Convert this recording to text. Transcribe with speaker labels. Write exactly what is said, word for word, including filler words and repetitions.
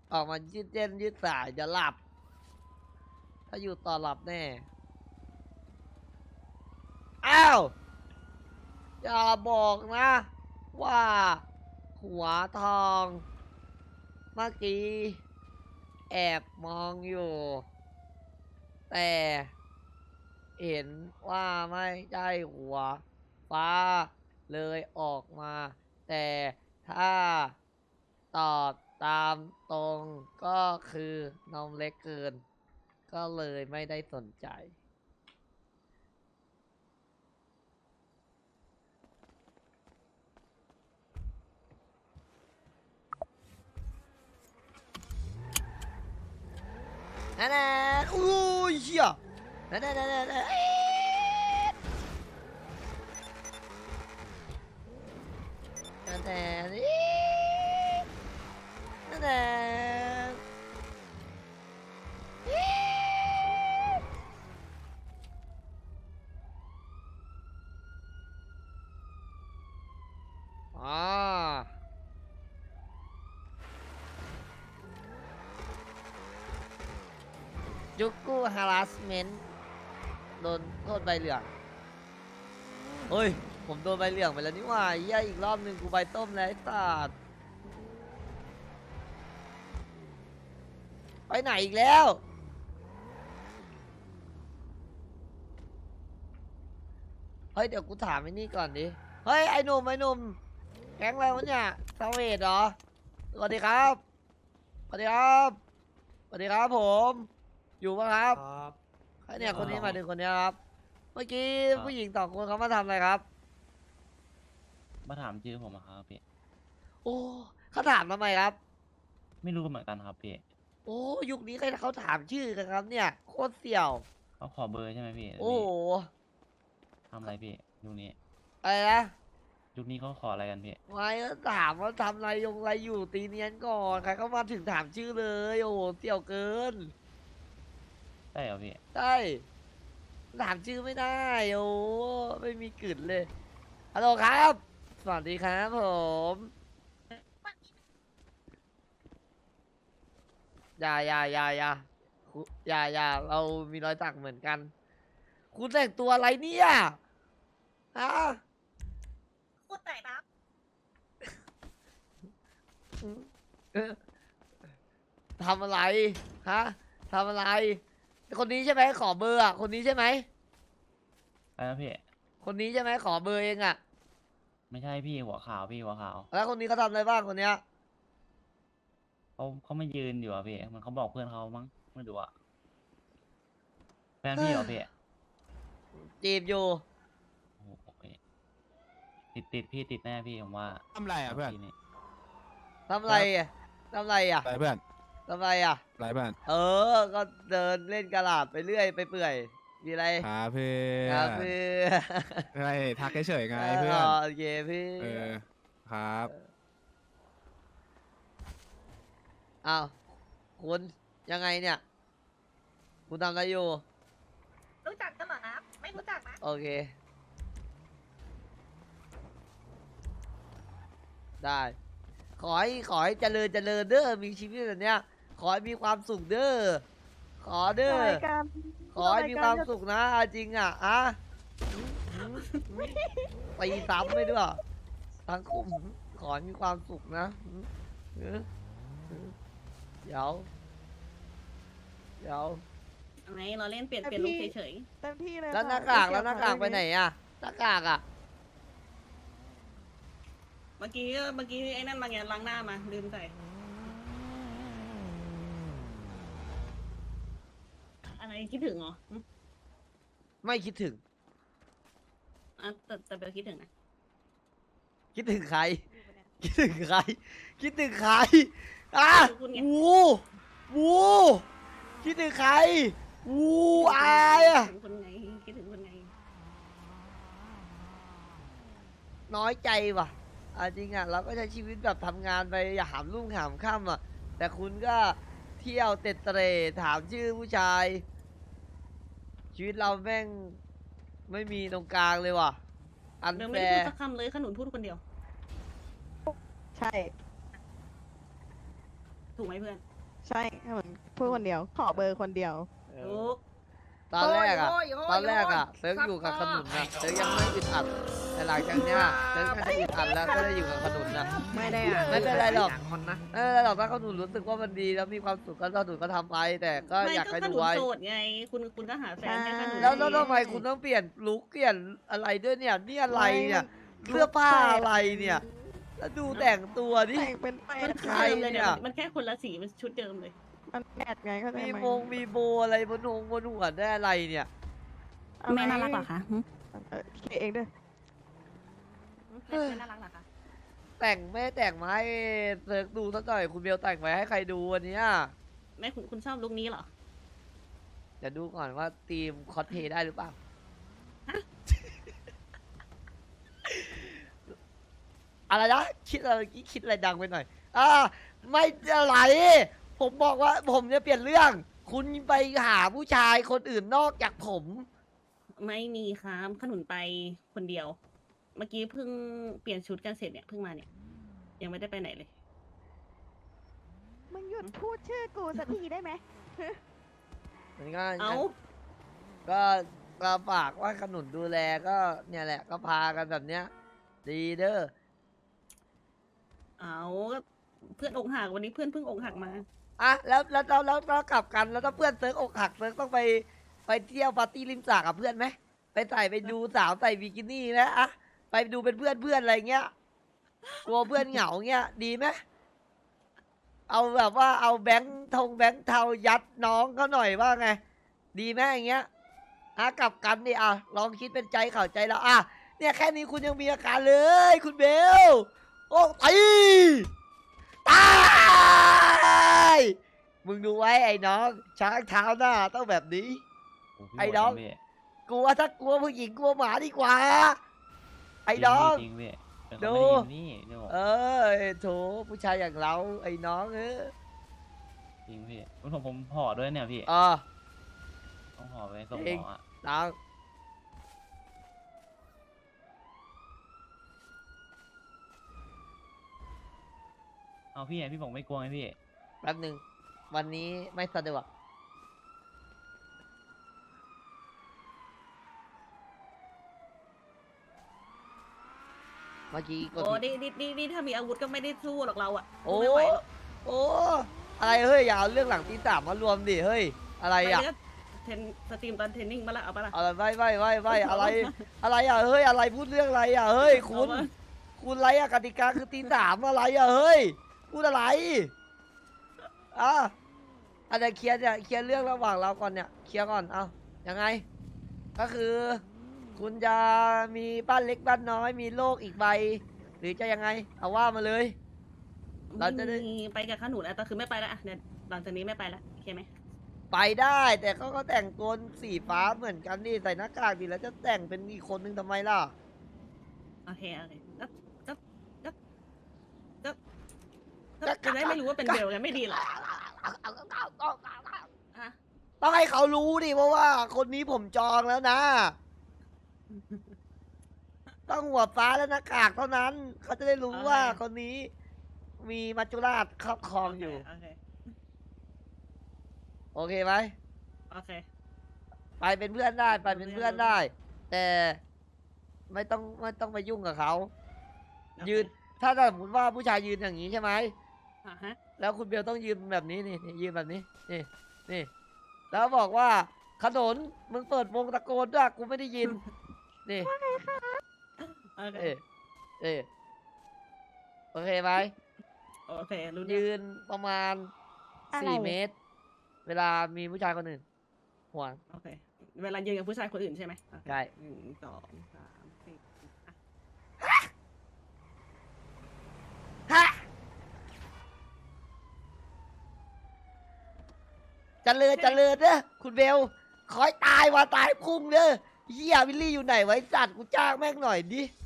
Speaker 1: ออกมายืดเส้นยืดสายจะหลับถ้าอยู่ต่อหลับแน่อ้าวอย่าบอกนะว่าหัวทองเมื่อกี้แอบมองอยู่แต่เห็นว่าไม่ใช่หัวฟ้าเลยออกมาแต่ถ้าตอบตามตรงก็คือนมเล็กเกินก็เลยไม่ได้สนใจนั่นๆอู้ยเชี่ยนั่นๆนั่นๆนั่นๆนั่นๆนั่นๆอ๋อจุกกู้ harassment โดนโทษใบเหลืองเฮ้ยผมโดนใบเหลืองไปแล้วนี่หว่าเหี้ยอีกรอบหนึ่งกูใบต้มแล้วไอ้สัตว์ไปไหนอีกแล้วเฮ้ยเดี๋ยวกูถามไอ้นี่ก่อนดิเฮ้ยไอ้หนุ่มไอ้หนุ่มแก๊งอะไรวะเนี่ยซาเวดเหรอสวัสดีครับสวัสดีครับสวัสดีครับผมอยู่ปะครับ
Speaker 2: ครับ
Speaker 1: ไอ้เนี่ยคนนี้มาถึงคนนี้ครับเมื่อกี้
Speaker 2: ครับ
Speaker 1: ผู้หญิงสองคนเขามาทำอะไรครับ
Speaker 2: มาถามชื่อผมอะครับพี่
Speaker 1: โอ้เขาถามทำไมครับ
Speaker 2: ไม่รู้เหมือนกันครับพี่
Speaker 1: โอ้ยุคนี้ใครเขาถามชื่อกันครับเนี่ยโคตรเสี่ยว
Speaker 2: เขาขอเบอร์ใช่ไหมพี่
Speaker 1: โอ้โห
Speaker 2: ทำอะไรพี่ยุคนี้
Speaker 1: อะไรนะ
Speaker 2: ยุคนี้เขาขออะไรกันพี่
Speaker 1: ไม่ก็ถามว่าทำอะไรยงอะไรอยู่ตีเนียนก่อนใครเขามาถึงถามชื่อเลยโอ้โหเสี่ยวเกิน
Speaker 2: ใช่เหรอพี่
Speaker 1: ใช่ถามชื่อไม่ได้โอ้ไม่มีกลิ่นเลยฮัลโหลครับสวัสดีครับผมอย่าอย่าอย่าอย่าคุอย่าอย่าเรามีรอยสักเหมือนกัน คุณแต่งตัวอะไรเนี่ยฮะ
Speaker 3: พูดไหนนะ
Speaker 1: เออทำอะไรฮะทำอะไร คนนี้ใช่ไหมขอเบอร์อ่ะคนนี้ใช่ไหม
Speaker 2: อะไรนะพี่
Speaker 1: คนนี้ใช่ไหมขอเบอร์เองอ่ะ
Speaker 2: ไม่ใช่พี่หัวขาวพี่หัวขาว
Speaker 1: แล้วคนนี้เขาทำอะไรบ้างคนเนี้ย
Speaker 2: เขาเขาไม่ยืนอยู่อะพี่ มันเขาบอกเพื่อนเขามั้งไม่รู้อะแฟนพี่เหรอพี่
Speaker 1: จีบอยู่
Speaker 2: โอ้โหโอเคติดติดพี่ติดแน่พี่ผมว่า
Speaker 4: ทำไรอ่ะเพื่อน
Speaker 2: ทีนี้
Speaker 1: ทำอะไรอ่ะทำอะไรอ่ะ
Speaker 4: ไรเพื่อน
Speaker 1: ทำอะไรอ่ะ
Speaker 4: ไรเพื่อน
Speaker 1: เออ ก็เดินเล่นกระลาดไปเรื่อยไปเปื่อยมีอะไร
Speaker 4: ครับเพื่อ
Speaker 1: ครับ
Speaker 4: น
Speaker 1: เพื่อ
Speaker 4: ไงทักเฉยๆไง
Speaker 1: เอ
Speaker 4: เพื่อน
Speaker 1: อโอเคพี่
Speaker 4: เออครับ
Speaker 1: อ้าวคุณยังไงเนี่ย คุณทำอะไรอยู่
Speaker 3: รู้จักกันเหรอนะ ไม่รู้จักนะ
Speaker 1: โอเค ได้ ขอให้ขอให้เจริญเจริญเด้อมีชีวิตแบบเนี้ย ขอให้มีความสุขเด้อขอเด้อ
Speaker 3: รายการ
Speaker 1: ขอให้มีความสุขนะเอาจริงอ่ะอะตีซ้ำไปด้วยทั้งคุมขอให้มีความสุขนะเออเดี๋ยวเดี๋ยว
Speaker 5: ไงเราเล่นเปลี่ยนเปลี่ยนลุคเฉย
Speaker 3: เต็มที่เลย
Speaker 1: แล้วหน้า
Speaker 3: ค่ะ
Speaker 1: กากแล้วหน้ากากไปไหนอ่ะหน้ากากอ่ะ
Speaker 5: ๆ เมื่อกี้เมื่อกี้ไอ้นั่นมาไงล้างหน้ามาลืมใส่อะไรคิดถึงเหรอหึ
Speaker 1: ไม่คิดถึง
Speaker 5: อ่ะแต่แต่เบลคิดถึงนะ
Speaker 1: คิดถึงใคร คิดถึงใคร คิดถึงใครอ่ะวูวูคิดถึงใครวูอายอ่ะ
Speaker 5: คิดถึงคนไงคิดถึงคนไง
Speaker 1: น้อยใจว่ะอ่ะจริงอ่ะเราก็ใช้ชีวิตแบบทำงานไปอย่าหามรุ่งหามค่ำอ่ะ แต่คุณก็เที่ยวเต็ดเตร่ถามชื่อผู้ชาย ชีวิตเราแม่งไม่มีตรงกลางเลยว่ะ อัน
Speaker 5: เบล
Speaker 1: แฟ
Speaker 5: ไม่ได้พูด
Speaker 1: ร์
Speaker 5: สักคำเลยขนุนพูดคนเดียว
Speaker 3: ใช่
Speaker 5: ถูกไหมเพื่อน
Speaker 6: ใช่เหมือนพูดคนเดียว ขอเบอร์คนเดียว
Speaker 1: เอ
Speaker 5: ลู
Speaker 1: อก ตอนแรกอะ
Speaker 3: โอ้ยโอ้ย
Speaker 1: ตอนแรกอะ
Speaker 3: โอ้ย
Speaker 1: เซิร์ฟอยู่กับ
Speaker 3: ซั
Speaker 1: ข
Speaker 3: บ
Speaker 1: นุน
Speaker 3: ซ้อ
Speaker 1: นะเซิร์ฟยังไม่อึดอัดแต่หลังจากเนี้ยเซิร์ฟน่าจะอึดอัดแล้วก็ได้อยู่กับขนุนนะ
Speaker 3: ไม่ได้อะ
Speaker 1: ไม่เป็นไรหรอก
Speaker 3: ย่างคนนะ
Speaker 1: เออเราถ้าขนุนรู้สึกว่ามันดีแล้วมีความสุขก็ขนุนก็ทำไป แต่ก็
Speaker 5: ไม่
Speaker 1: อยาก
Speaker 5: ก็
Speaker 1: ให้
Speaker 5: ข
Speaker 1: ดู
Speaker 5: นุน
Speaker 1: ไว้
Speaker 5: โสดไง คุณคุณก็หาแฟนให้ขนุน
Speaker 1: แล้วแล้วทำไมคุณต้องเปลี่ยนลุคเปลี่ยนอะไรด้วยเนี่ยนี่อะไรเนี่ย
Speaker 6: ไม่มัน
Speaker 1: เสื้อผ้าอะไรเนี่ยแล้วดูแต่งตัวดิ
Speaker 6: แต่งเป็นแป
Speaker 5: มัน
Speaker 6: ด
Speaker 5: ชุด
Speaker 1: ใคร
Speaker 5: เดิมเลยเนี่ย
Speaker 1: เนี่ย
Speaker 5: มันมันแค่คนละสีมันชุดเดิมเลย
Speaker 6: มันแปดไงเขาใจ
Speaker 1: มี
Speaker 6: ไหม
Speaker 1: โมงมีโบอะไรบนหงบนหัวได้อะไรเนี่ย
Speaker 6: อะไร
Speaker 5: แม่น่ารักเหรอคะหึ
Speaker 6: เออคิดเองด้วย
Speaker 5: แม่น่ารักเหรอคะ
Speaker 1: แต่งไม่แต่งมาให้เซิร์กดูสักหน่อยคุณเบลแต่งไว้ให้ใครดูวันเนี้ย
Speaker 5: แม่คุณคุณชอบลุคนี้เหรอ
Speaker 1: เดี๋ยวดูก่อนว่าทีมคอสเพลย์ได้หรือเปล่า อะไรนะคิดอะไรเมื่อกี้คิดอะไรดังไปหน่อย อ่า ไม่อะไร ผมบอกว่าผมจะเปลี่ยนเรื่อง คุณไปหาผู้ชายคนอื่นนอกจากผม
Speaker 5: ไม่มีครับขนุนไปคนเดียว เมื่อกี้เพิ่งเปลี่ยนชุดกันเสร็จเนี่ยเพิ่งมาเนี่ย ยังไม่ได้ไปไหนเลย
Speaker 6: มึงหยุดพูดชื่อกูสักทีได้ไหม
Speaker 1: มันก็
Speaker 5: เอ้า
Speaker 1: ก็ก็ฝากว่าขนุนดูแลก็เนี่ยแหละก็พากันแบบเนี้ย ดีเด้อ
Speaker 5: เอาก็เพื่อนอกหักวันนี้เพื่อนเพิ่งอกหักมา
Speaker 1: อ่ะแล้วแล้วแล้วแล้วแล้วกลับกันแล้วถ้าเพื่อนเซิร์กอกหักเซิร์กต้องไปไปเที่ยวปาร์ตี้ริมสระกับเพื่อนไหมไปใส่ไปดูสาวใส่บิกินี่นะอ่ะไปดูเป็นเพื่อนเพื่อนอะไรเงี้ยกลัวเพื่อนเหงาเงี้ยดีไหมเอาแบบว่าเอาแบงค์ทงแบงค์เทายัดน้องเขาหน่อยว่าไง ดีไหมอย่างเงี้ยอ่ะกลับกันดิอ่ะลองคิดเป็นใจเข้าใจแล้วอ่ะเนี่ยแค่นี้คุณยังมีอาการเลย คุณเบลโอ้ตีตายมึงดูไว้ไอ้น้อง ช้างเท้าหน้าต้องแบบนี้
Speaker 2: โพี่
Speaker 1: ไอ้
Speaker 2: โหด
Speaker 1: น้อง
Speaker 2: จริพี่
Speaker 1: กลัวถ้ากลัวผู้หญิงกลัวหมาดีกว่า ไอ้
Speaker 2: จริ
Speaker 1: น้อง
Speaker 2: จริงพี่เป็น
Speaker 1: ดู
Speaker 2: คนไม่ดีนี่เดี๋ยว
Speaker 1: เออโถผู้ชายอย่างเรา ไอ้น้องเออ
Speaker 2: จริงพี่ผมผมห่อด้วยเนี่ยพี่
Speaker 1: เออ
Speaker 2: ต้องห่อไปส่ง
Speaker 1: จริง
Speaker 2: หมออ่ะ
Speaker 1: น้อง
Speaker 2: เอาพี่ไงพี่บอกไม่กลัวไงพี่
Speaker 1: แป๊บหนึ่งวันนี้ไม่สะดวกเมื่อกี้กด
Speaker 5: โอ้
Speaker 1: ผิด
Speaker 5: นี่นี่นี่นี่ถ้ามีอาวุธก็ไม่ได้สู้หรอกเราอะ
Speaker 1: โอ้
Speaker 5: ไม่ไหวหรอก
Speaker 1: โอ้อะไรเฮ้ยอย่าเอาเรื่องหลังตีสามมารวมดิเฮ้ยอะไร
Speaker 5: ไป
Speaker 1: อ่ะ
Speaker 5: ก็เทรนสตรีมตอนเทรนนิ่งมาละเอาปะล่ะ
Speaker 1: อะไรไม่ไม่ไม่ไม่อะไร อะไรอ่ะเฮ้ยอะไรพูดเรื่องอะไรอ่ะเฮ้ยคุณ
Speaker 5: เอาวะ
Speaker 1: คุณอะไรอ่ะกติกาคือตีสามอะไรอ่ะเฮ้ยพูดอะไรอ่ะอาจจะเคลียร์เนี่ยเคลียร์เรื่องระหว่างเราก่อนเนี่ยเคลียร์ก่อนเอายังไง ก็คือ คุณจะมีบ้านเล็กบ้านน้อยมีโลกอีกใบ หรือจะยังไง เอาว่ามาเลย เราจะได้
Speaker 5: ไม่มีไปกับขนุนอะแต่คือไม่ไปละอะเนี่ยหลังจากนี้ไม่ไปละโอเคไหม
Speaker 1: ไปได้แต่เขาก็แต่งตัวสีฟ้าเหมือนกันดิใส่หน้ากากดิแล้วจะแต่งเป็นอีกคนนึงทำไมล่ะ
Speaker 5: โอเคโอเคก็ก็ก็ก็ก็จะได้ไม่รู้ว่าเป็นเบลกันไม่ดีเหรอฮะ
Speaker 1: ต้องให้เขารู้ดิเพราะว่าคนนี้ผมจองแล้วนะ ต้องหัวฟ้าและหน้ากากเท่านั้น เขาจะได้รู้ว่าคนนี้ มีมัจจุราชครอบครองอยู่
Speaker 5: โอเค
Speaker 1: โอเคไหม
Speaker 5: โอเค
Speaker 1: ไปเป็นเพื่อนได้ไปเป็นเพื่อนได้ แต่ไม่ต้องไม่ต้องไปยุ่งกับเขา
Speaker 5: โอเค
Speaker 1: ยืน ถ้าสมมติว่าผู้ชายยืนอย่างนี้ใช่ไหม
Speaker 5: อ่ะฮะ
Speaker 1: แล้วคุณเบลต้องยืนแบบนี้นี่นี่ยืนแบบนี้ นี่นี่ แล้วบอกว่าขนนมึงเปิดวงตะโกนด้วยกูไม่ได้ยิน นี่
Speaker 5: โอเค
Speaker 1: เออเออโอเคไหม
Speaker 5: โอเครู้เรื่อง
Speaker 1: ยืนประมาณ
Speaker 6: อะไร
Speaker 1: สี่เมตร เวลามีผู้ชายคนอื่นห่วง
Speaker 5: โอเค เวลายืนกับผู้ชายคนอื่นใช่ไหมโอเค
Speaker 1: ใช่
Speaker 5: หนึ่งสองสามสี่อ่ะ
Speaker 1: ฮะเจริญเจริญเด้อคุณเบลคอยตายว่าตายพุ่งเด้อเฮียวิลลี่อยู่ไหนไว้จัดกูจ้างแม่งหน่อยดิ